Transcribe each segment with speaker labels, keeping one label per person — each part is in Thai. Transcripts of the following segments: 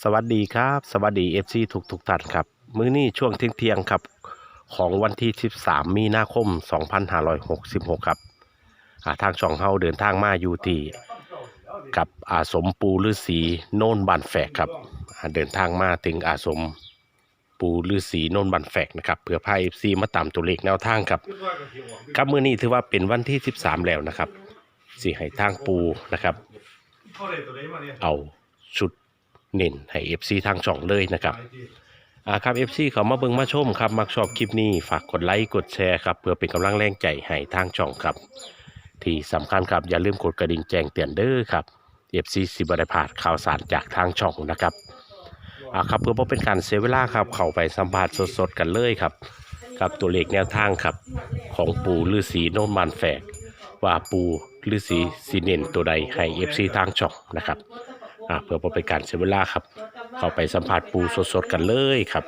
Speaker 1: สวัสดีครับสวัสดีFCทุกท่านครับมื้อนี้ช่วงเที่ยงครับของวันที่13มีนาคม2566ครับทางช่องเฮาเดินทางมาอยู่ที่กับอาสมปูฤาษีโน่นบานแฝกครับเดินทางมาถึงอาสมปูฤาษีโน่นบานแฝกนะครับเพื่อพา FC มาตามตัวเลขแนวทางครับครับมื้อนี้ถือว่าเป็นวันที่13แล้วนะครับสิให้ทางปูนะครับเอาชุดเน้นให้ FC ทางช่องเลยนะครับครับ FC เขามาเบิ่งมาชมครับมักชอบคลิปนี้ฝากกดไลค์กดแชร์ครับเพื่อเป็นกำลังแรงใจให้ทางช่องครับที่สำคัญครับอย่าลืมกดกระดิ่งแจ้งเตือนเด้อครับ FC สิบ่ได้พลาดข่าวสารจากทางช่องนะครับครับเพื่อบ่เป็นการเสียเวลาครับเข้าไปสัมภาษณ์สดๆกันเลยครับกับตัวเลขแนวทางครับของปู่ฤาษีโน่นบานแฝกว่าปู่ฤาษีสิเน้นตัวใดให้ FC ทางช่องนะครับเพื่อบ่เป็นการเสียเวลาครับเข้าไปสัมผัสปูสดๆกันเลยครับ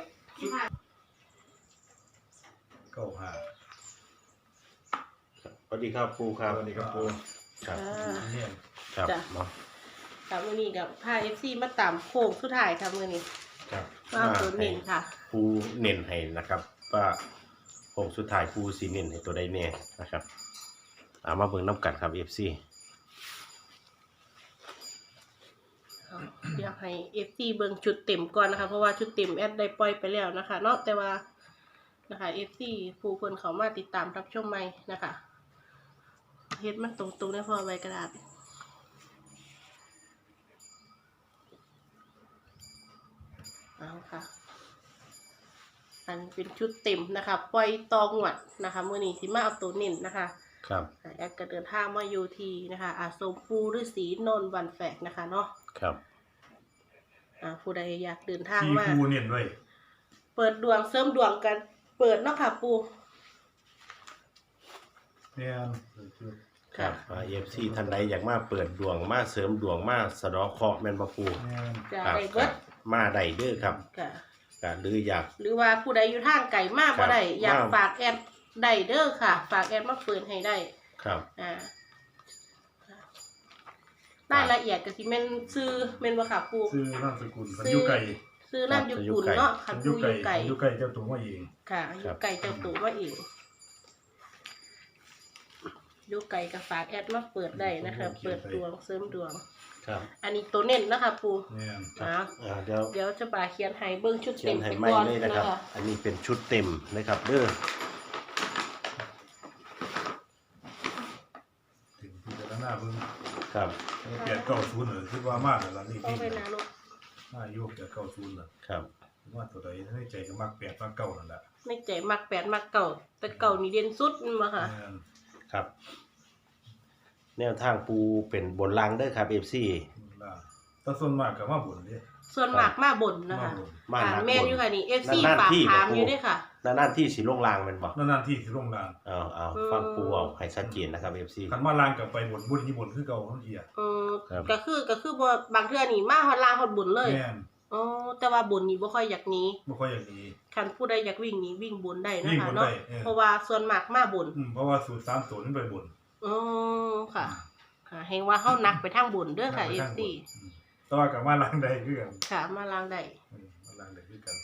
Speaker 1: สวัสดีครับปูครับ
Speaker 2: สวัสดีครับปู
Speaker 1: ครับ
Speaker 2: เนี่ย
Speaker 1: ครับ
Speaker 3: ค่ะมื้อนี้กับพา FC มาตามโค้งสุดท้ายค่ะมื้อนี้
Speaker 1: ครับ
Speaker 3: มาตัวเน้นค่ะ
Speaker 1: ปูเน้นให้นะครับว่าโค้งสุดท้ายปูสีเน้นให้ตัวใดแน่นะครับมาเบิ่งน้ำกันครับ FC
Speaker 3: อยากให้ FC เบิ่งชุดเต็มก่อนนะคะเพราะว่าชุดเต็มแอดได้ปล่อยไปแล้วนะคะเนาะแต่ว่านะคะ FC ผู้คนเขามาติดตามรับชมใหม่นะคะเฮ็ดมันตรงๆได้พอใบกระดาษเอาค่ะอันเป็นชุดเต็มนะคะปล่อยตองวดนะคะมื้อนี้สิมาเอาตัวเน้นนะคะ
Speaker 1: ครับ
Speaker 3: แอดก็เดินทางมาอยู่ที่นะคะอาสมปูฤาษีโนนวันแฝกนะคะเนาะ
Speaker 1: ครับ
Speaker 3: ผู้ใดอยากเดินทางมา
Speaker 2: ปูเนี่ยด้วย
Speaker 3: เปิดดวงเสริมดวงกันเปิดเนาะค่ะปู
Speaker 2: เนี่ย
Speaker 1: ครับFC ท่านใดอยากมาเปิดดวงมาเสริมดวงมาสะเดาะเคราะห์แม่นบ่ปู
Speaker 3: จะได้เบิด
Speaker 1: มาได้เด้อครับหรืออยาก
Speaker 3: หรือว่าผู้ใดอยู่ทางไกลมากบ่ได้อยากฝากแอดได้เด้อค่ะฝากแอดมาเปิดให้ได้
Speaker 1: ครับ
Speaker 3: รายละเอียดก็สิแม่นซื้อแม่นบ่ค่ะปู
Speaker 2: ซื้อนามสกุลอยู่ไกล
Speaker 3: ซื้อนามสกุลเนาะคันปูอยู่ไกล
Speaker 2: เจ้าตัวมาเอง
Speaker 3: ค่ะอยู่ไกลเจ้าตัวมาเองอยู่ไกลก็ฝากแอดมาเปิดได้นะคะเปิดดวงเสริมดวง
Speaker 1: ครับ
Speaker 3: อันนี้ตัวเน้นนะคะปู
Speaker 1: เ
Speaker 3: ดี๋ยวจะบ่าเขียนให้เบิ่งชุดเต็ม
Speaker 1: ไปก่อนนะครับอันนี้เป็นชุดเต็มนะครับเด้อ
Speaker 2: ถึงพิจารณาเบิ่ง
Speaker 1: ครับ
Speaker 2: 890เหรอคิดว่ามากแล้วนี่
Speaker 3: พี่
Speaker 2: อายุ890เหรอ
Speaker 1: ครับ
Speaker 2: ว่าตัวใดในใจก็มัก8มัก9นั่นแหละ
Speaker 3: ในใจมัก8มัก9แต่9นี่เด่นสุดมาค่ะ
Speaker 1: ครับแนวทางปูเป็นบนล่างเด้อครับ FC
Speaker 2: แต่ส่วนมากก็มาบนเด้
Speaker 3: ส่วนมากมาบนนะคะแม่นอยู่ค่ะนี่ FC ฝากถามอยู่ด้วยค่ะ
Speaker 1: นานที่สิลงล่างแม่นบ่
Speaker 2: นานที่สิลงล่าง
Speaker 1: ฟังปูเอาให้ชัดเจนนะครับ FC
Speaker 2: คันมาล่างก็ไปบนที่บนคือเก่าทั้งที
Speaker 3: ก็คือบ่บางเทื่อนี่มาฮอดล่างฮอดบนเลยแต่ว่าบนนี่บ่ค่อยอยากหนีคันผู้ใดอยากวิ่งนี่วิ่งบนได้นะคะเนาะเพราะว่าส่วนมากมาบน
Speaker 2: เพราะว่าสูตร3ตัวนั้นไปบน
Speaker 3: ค่ะเห็นว่าเฮานักไปทางบนเด้อค่ะ FC
Speaker 2: แต่ว่าก็มาล่างได้คือกัน
Speaker 3: ค่ะมาล่างได้
Speaker 2: คือกัน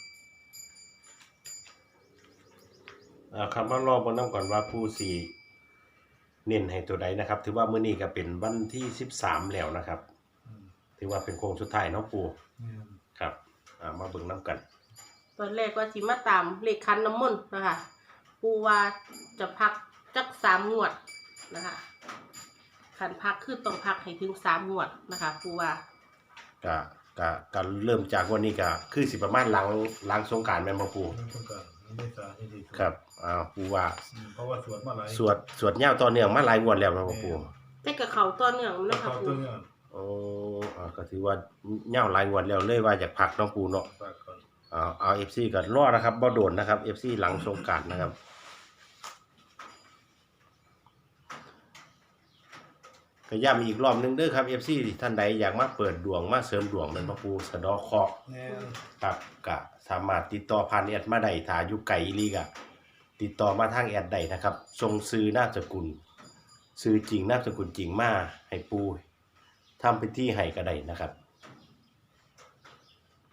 Speaker 1: ครับมารอเบิ่งนำก่อนว่าผู้สิเน้นให้ตัวใดนะครับถือว่ามื้อนี้ก็เป็นวันที่13แล้วนะครับถือว่าเป็นโค้งสุดท้ายเนาะปู่ครับมาเบิ่งนำกัน
Speaker 3: ตอนแรกว่าสิมาตามเลขคันน้ำมนต์นะคะปู่ว่าจะพักจัก3งวดนะคะคันพักคือต้องพักให้ถึง3งวดนะคะปู่ว่า
Speaker 1: ก็เริ่มจากวันนี้ก็คือสิประมาณหลังสงกรานต์แม่นบ่ปู่ครับปู่ว่า
Speaker 2: เพราะว่าสวดมาหลาย
Speaker 1: สวดยาวต่อเนื่องมาหลายงวดแล้วแม่นบ่ปู่
Speaker 3: แต่ก็เข้าต่อเนื่องนะคะปู่
Speaker 1: ก็ถือว่ายาวหลายงวดแล้วเลยว่าอยากพักเนาะปู่เนาะเอา FC ก็รอนะครับบ่โดนนะครับ FC หลังสงกรานต์นะครับก็ย้ำอีกรอบนึงเด้อครับ FC ท่านใดอยากมาเปิดดวงมาเสริมดวงเป็นพระปูสะดอเคราะห์ครับก็สามารถติดต่อผ่านแอดมาได้ถ้าอยู่ไกลอีหลีก็ติดต่อมาทางแอดได้นะครับส่งชื่อนามสกุลชื่อจริงนามสกุลจริงมาให้ปูทำพิธีให้ก็ได้นะครับ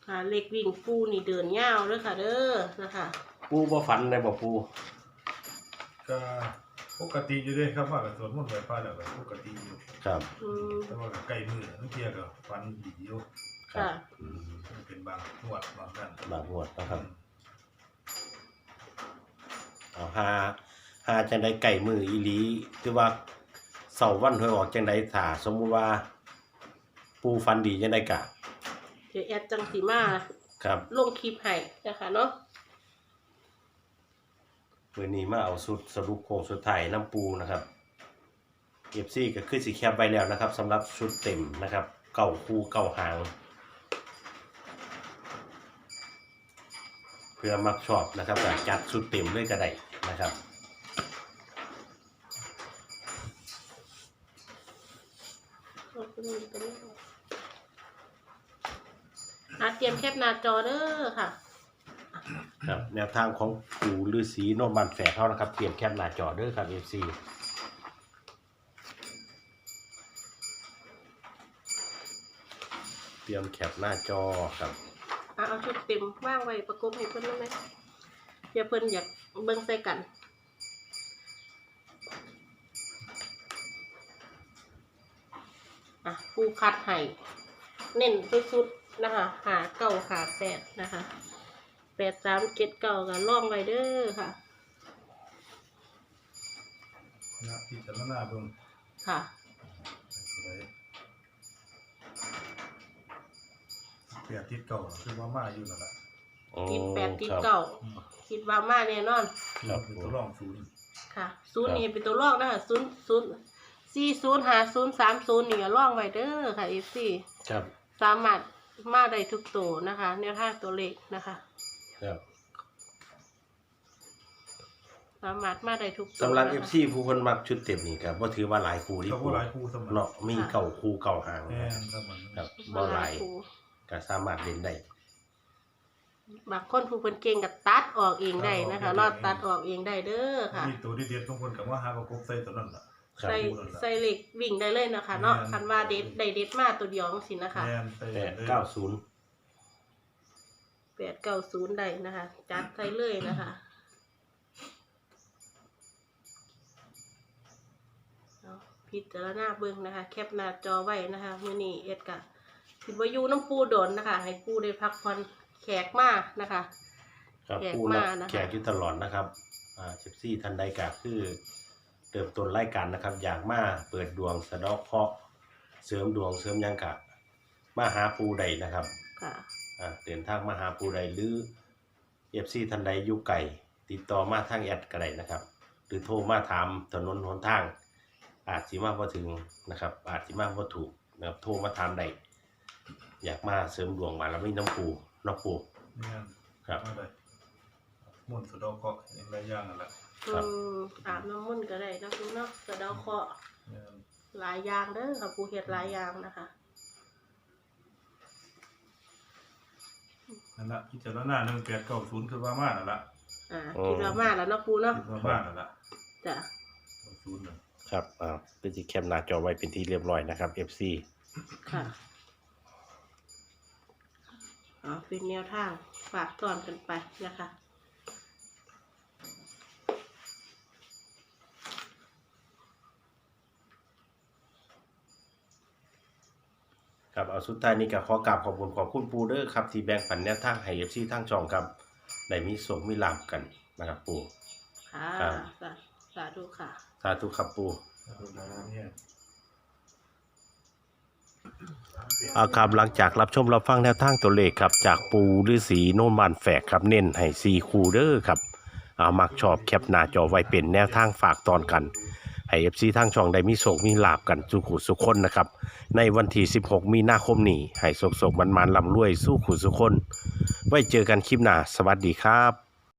Speaker 3: เลขวิ่งปูนี่เดินยาวเด้อค่ะเด้อนะคะ
Speaker 1: ปูบ่ฝันได้บ่ปู
Speaker 2: ก็ปกติอยู่เด้ครับว่าก็สวดมนต์ไหว้พระแล้วก็ปกติอยู่
Speaker 1: ครับ
Speaker 2: แต่ว่าก็ใกล้มื้อนั่นเที่ยก็ฟันดีอยู่
Speaker 3: ค่ะ
Speaker 1: อืม
Speaker 2: มันเป็นบางงวดบางนั้น
Speaker 1: บางงวดนะครับเอาหาจังได๋ไก่มืออีหลีคือว่าเสาร์วันหวยออกจังได๋ถ้าสมมุติว่า ปูฝันดีจังได๋กะ
Speaker 3: เดี๋ยวแอดจังสีมา
Speaker 1: ครับ
Speaker 3: ลงคลิปให้นะคะเนาะ
Speaker 1: มื้อนี้มาเอาสุดสรุปโค้งสุดท้ายน้ำปูนะครับ FC ก็คือสิแคปไว้แล้วนะครับสำหรับชุดเต็มนะครับเก้าคู่เก้าหาง เพื่อมักชอบนะครับก็จัดชุดเต็มเลยก็ได้นะครับ
Speaker 3: เตรียมแคปหน้าจอเด้อค่ะ
Speaker 1: ครับแนวทางของปู่ฤาษีโนนบันแฝกเขานะครับเตรียมแคปหน้าจอเด้อครับ FC เตรียมแคปหน้าจอครับ
Speaker 3: เอาชุดเต็มว่างไว้ประกบให้เพิ่นได้ไหมเดี๋ยวเพิ่นอยากเบิ่งใส่กันปูคัดให้เน้นสุดๆนะคะ5-9-8นะคะ8379ก็ล่องไว้เด้อค่ะ
Speaker 2: นะพิจารณาเบิ่ง
Speaker 3: ค่ะ
Speaker 2: เปรียบทิศเก่าคือว่ามาอยู่นั่นแหละ
Speaker 3: ติด8ติด
Speaker 1: ครับ
Speaker 3: 9คิดว่ามาแน่นอน
Speaker 1: ครับ
Speaker 2: เป็นตัวรองศูนย์
Speaker 3: ค่ะ0นี่เป็นตัวลอกนะคะ405030นี่ก็ล่องไว้เด้อค่ะ FC
Speaker 1: ครับ
Speaker 3: สามารถมาได้ทุกตัวนะคะแนวทางตัวเลขนะคะ
Speaker 1: ครับ
Speaker 3: สามารถมาได้ทุกตัว
Speaker 1: สำหรับ
Speaker 3: นะคะ
Speaker 1: FC ผู้คนมักชุดเต็มนี่ครับบ่ถือว่าหลายคู่ที่
Speaker 2: เขา
Speaker 1: ปู
Speaker 2: ก็หลายคู่สมัย
Speaker 1: เนาะมีเก่าคู่เก่าหาง
Speaker 2: แม่นครับมัน
Speaker 1: ครับบ่หลายก็สามารถเล่นได้
Speaker 3: บางคนผู้เพิ่นเก่งกับตัดออกเองได้นะคะรอดตัดออกเองได้เด้อค่ะ
Speaker 2: มีตัวที่เด็ดของคนกับว่าหาประกบใส่ตัวนั้นล่ะ
Speaker 1: ครับ
Speaker 3: ใส่เหล็กวิ่งได้เลยนะคะเนาะ
Speaker 2: แม่น
Speaker 3: คันว่าเด็ดได้เด็ดมาตัวเดียวจังซี่นะคะ
Speaker 2: แม่นใส่
Speaker 1: 890
Speaker 3: 890ได้นะคะจัดใส่เลยนะคะเอาพิจารณาเบิ่งนะคะ แคปหน้าจอไว้นะคะมื้อนี้เอ็ดกะสิบ่อยู่น้ำปูโดนนะคะ ให้ปูได้พักผ่อนแขกมานะคะ
Speaker 1: ครับ
Speaker 3: แขก
Speaker 1: ผู้
Speaker 3: มา
Speaker 1: รับ
Speaker 3: นะคะ
Speaker 1: แขกอยู่ตลอดนะครับเจฟซี่ทันใดก็คือเติมต้นรายการนะครับ อยากมาเปิดดวงสะเดาะเคราะห์เสริมดวงเสริมหยังกะมาหาปูใดนะครับ
Speaker 3: ค่ะ
Speaker 1: เดินทางมาหาปูใดหรือเอฟซีทันใดอยู่ไกลติดต่อมาทางแอดก็ได้นะครับ หรือโทรมาถามถนนหนทาง อาจสิมาบ่ถึงนะครับ อาจสิมาบ่ถูกนะครับโทรมาถามได้อยากมาเสริมดวงมาแล้วมีน้ำปู
Speaker 2: แม่น
Speaker 1: ครับ
Speaker 2: มาได้ม่วนต์สะเดอกเคราะห์อย่างไรอย่างนั่นแหละ
Speaker 1: ครับ
Speaker 3: อาบน้ำมนต์ก็ได้นะปูเนาะสะเดาเคราะห์
Speaker 2: แม่น
Speaker 3: หลายอย่างเด้อค่ะปูเฮ็ดหลายอย่างนะคะ
Speaker 2: นั่นละพิจารณา1890คือว่ามานั่นละ
Speaker 3: คิดว่ามาแล้วเนาะปูเนาะ
Speaker 2: คิดว่ามานั่นละ
Speaker 3: จ้ะ
Speaker 2: 90นั่น
Speaker 1: ครับเป็นที่แคปหน้าจอไว้เป็นที่เรียบร้อยนะครับ FC
Speaker 3: ค่ะเป็นแนวทางฝากตอนกันไปนะคะ
Speaker 1: ครับเอาสุดท้ายนี้ก็ขอกราบขอบคุณปูเด้อครับที่แบ่งปันแนวทางให้ FC ทางช่องครับได้มีโชคมีลาภกันนะครับปู
Speaker 3: ค่ะ
Speaker 1: ครับ
Speaker 3: สาธุค่ะ
Speaker 1: สาธุครับปู
Speaker 2: เนี่ย
Speaker 1: ครับหลังจากรับชมรับฟังแนวทางตัวเลขครับจากปูฤาษีโนนบานแฝกครับเน้นให้4คู่เด้อครับมักชอบแคปหน้าจอไว้เป็นแนวทางฝากตอนกันให้ FC ทางช่องได้มีโชคมีลาภกันสู่ขู่สุคนนะครับในวันที่16มีนาคมนี้ให้โชคๆมันๆร่ำรวยสู่ขู่สุคนไว้เจอกันคลิปหน้าสวัสดีครับ